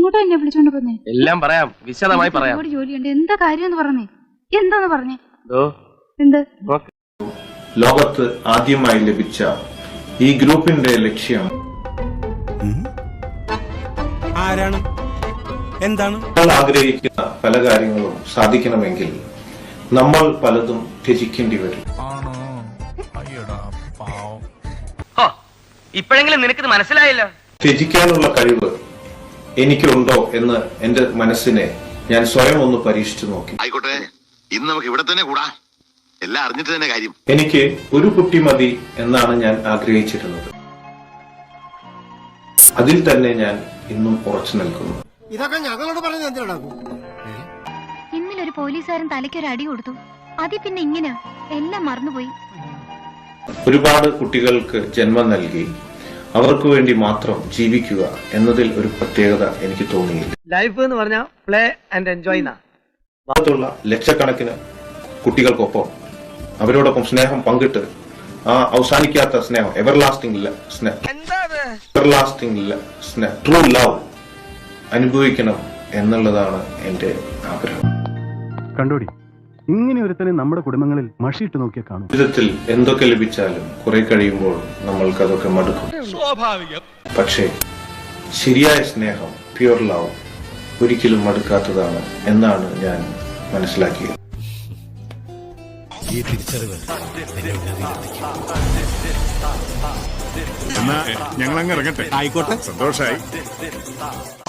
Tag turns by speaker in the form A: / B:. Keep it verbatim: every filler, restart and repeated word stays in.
A: ഇങ്ങോട്ട് എന്നെ വിളിച്ചോണ്ട് പോന്നേ?
B: എല്ലാം പറയാം, വിശദമായി പറയാം.
A: ഒരുപാട് ജോലിയുണ്ട്. എന്താ കാര്യം പറഞ്ഞേ? എന്താന്ന് പറഞ്ഞേ?
B: എന്ത്?
C: ലോകത്ത് ആദ്യമായി ലഭിച്ച ഈ ഗ്രൂപ്പിന്റെ ലക്ഷ്യം
D: ആരാണ്? എന്താണ്?
C: നമ്മൾ ആഗ്രഹിക്കുന്ന പല കാര്യങ്ങളും സാധിക്കണമെങ്കിൽ നമ്മൾ പലതും ത്യജിക്കേണ്ടി വരും.
B: ഇപ്പോഴെങ്കിലും നിനക്ക് മനസ്സിലായില്ല.
C: ത്യജിക്കാനുള്ള കഴിവ് എനിക്കുണ്ടോ എന്ന് എന്റെ മനസ്സിനെ ഞാൻ സ്വയം ഒന്ന് പരീക്ഷിച്ചു നോക്കി.
E: ആയിക്കോട്ടെ, ഇന്ന് നമുക്ക് ഇവിടെ തന്നെ കൂടാ. എല്ലാം അറിഞ്ഞിട്ട് തന്നെ കാര്യം.
C: എനിക്ക് ഒരു കുട്ടി മതി എന്നാണ് ഞാൻ ആഗ്രഹിച്ചിരുന്നത്. അതിൽ തന്നെ ഞാൻ ഇന്നും ഉറച്ചു നിൽക്കുന്നു.
F: ഇതൊക്കെ ഞങ്ങളോട് പറഞ്ഞു എന്തിനാണ്?
A: ഇന്നലൊരു പോലീസുകാരൻ തലയ്ക്കൊരു അടി കൊടുത്തു. അതി പിന്നെ ഇങ്ങനെ എല്ലാം മറന്നുപോയി.
C: ഒരുപാട് കുട്ടികൾക്ക് ജന്മം നൽകി അവർക്ക് വേണ്ടി മാത്രം ജീവിക്കുക എന്നതിൽ ഒരു പ്രത്യേകത എനിക്ക് തോന്നിയില്ല.
B: ലൈഫ് എന്ന് പറഞ്ഞാൽ പ്ലേ ആൻഡ് എൻജോയ്.
C: ഭാഗത്തുള്ള ലക്ഷക്കണക്കിന് കുട്ടികൾക്കൊപ്പം അവരോടൊപ്പം സ്നേഹം പങ്കിട്ട് ആ അവസാനിക്കാത്ത സ്നേഹം, എവർലാസ്റ്റിംഗ് എവർലാസ്റ്റിംഗ് സ്നേഹം, ട്രൂ ലവ് അനുഭവിക്കണം എന്നുള്ളതാണ് എന്റെ ആഗ്രഹം.
G: കണ്ടോടി, ഇങ്ങനെ ഒരുത്തനെ നമ്മുടെ കുടുംബങ്ങളിൽ മഷിയിട്ട് നോക്കിയാൽ കാണും.
C: ജീവിതത്തിൽ എന്തൊക്കെ ലഭിച്ചാലും കുറെ കഴിയുമ്പോൾ നമ്മൾക്ക് അതൊക്കെ മടുക്കും. പക്ഷേ ശരിയായ സ്നേഹം, പ്യുവർ ലവ് ഒരിക്കലും മടുക്കാത്തതാണ് എന്നാണ് ഞാൻ മനസ്സിലാക്കിയത്.
H: ഞങ്ങൾ അങ്ങ് ഇറങ്ങട്ടെ. ആയിക്കോട്ടെ, സന്തോഷായി.